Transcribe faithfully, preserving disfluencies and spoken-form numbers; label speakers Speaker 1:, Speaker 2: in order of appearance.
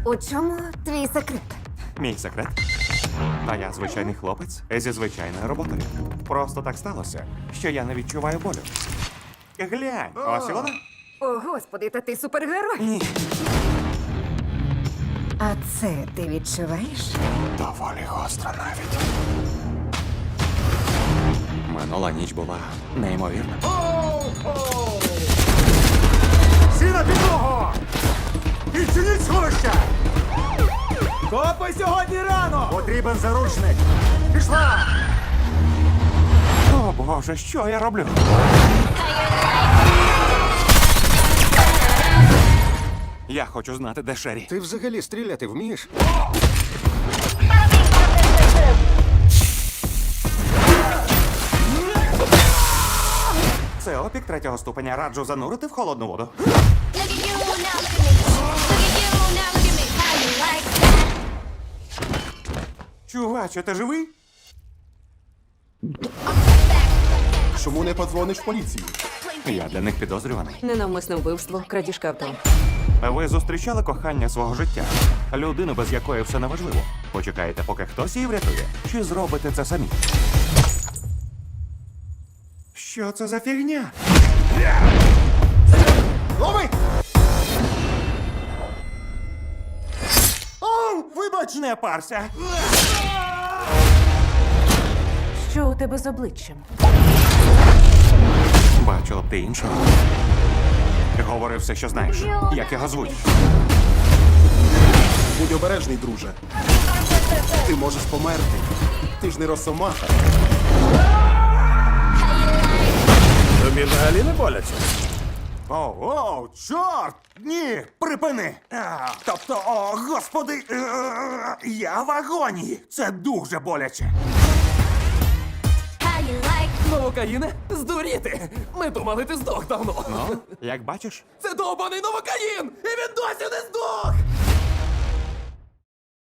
Speaker 1: У чому твій секрет?
Speaker 2: Мій секрет. А я звичайний хлопець зі звичайною роботою. Просто так сталося, що я не відчуваю болю. Глянь, ось і вона.
Speaker 1: О, господи, та ти супергерой.
Speaker 2: Ні.
Speaker 1: А це ти відчуваєш?
Speaker 2: Доволі гостро навіть. Минула ніч була неймовірна.
Speaker 3: Всі на підлогу! Відчиніть сховища!
Speaker 4: Копи сьогодні рано!
Speaker 3: Потрібен заручник! Пішла!
Speaker 2: О боже, що я роблю? Я хочу знати, де Шері.
Speaker 3: Ти взагалі стріляти вмієш?
Speaker 2: Це опік третього ступеня. Раджу занурити в холодну воду.
Speaker 5: Look at you now, look at me. Look at you now, look at me. How you like that?
Speaker 2: Чуваче, ти живий?
Speaker 3: Чому не подзвониш в поліцію?
Speaker 2: Я для них підозрюваний.
Speaker 6: Ненавмисне вбивство, крадіжка авто.
Speaker 2: Ви зустрічали кохання свого життя? Людину, без якої все неважливо. Почекаєте, поки хтось її врятує? Чи зробите це самі? Що це за фігня?
Speaker 3: Лови!
Speaker 2: О, вибач, не парся.
Speaker 6: Що у тебе з обличчям?
Speaker 2: Бачила б ти іншого. Говори все, що знаєш. Як його звуть?
Speaker 3: Будь обережний, друже. Ти можеш померти. Ти ж не росомаха.
Speaker 4: Тобі взагалі не боляче?
Speaker 2: О, о, чорт! Ні, припини! А, тобто, о, господи, е, я в агонії. Це дуже боляче.
Speaker 5: How you like
Speaker 4: Новокаїне? Здуріти! Ми думали, ти здох давно.
Speaker 2: Ну, як бачиш?
Speaker 4: Це довбаний новокаїн! І він досі не здох!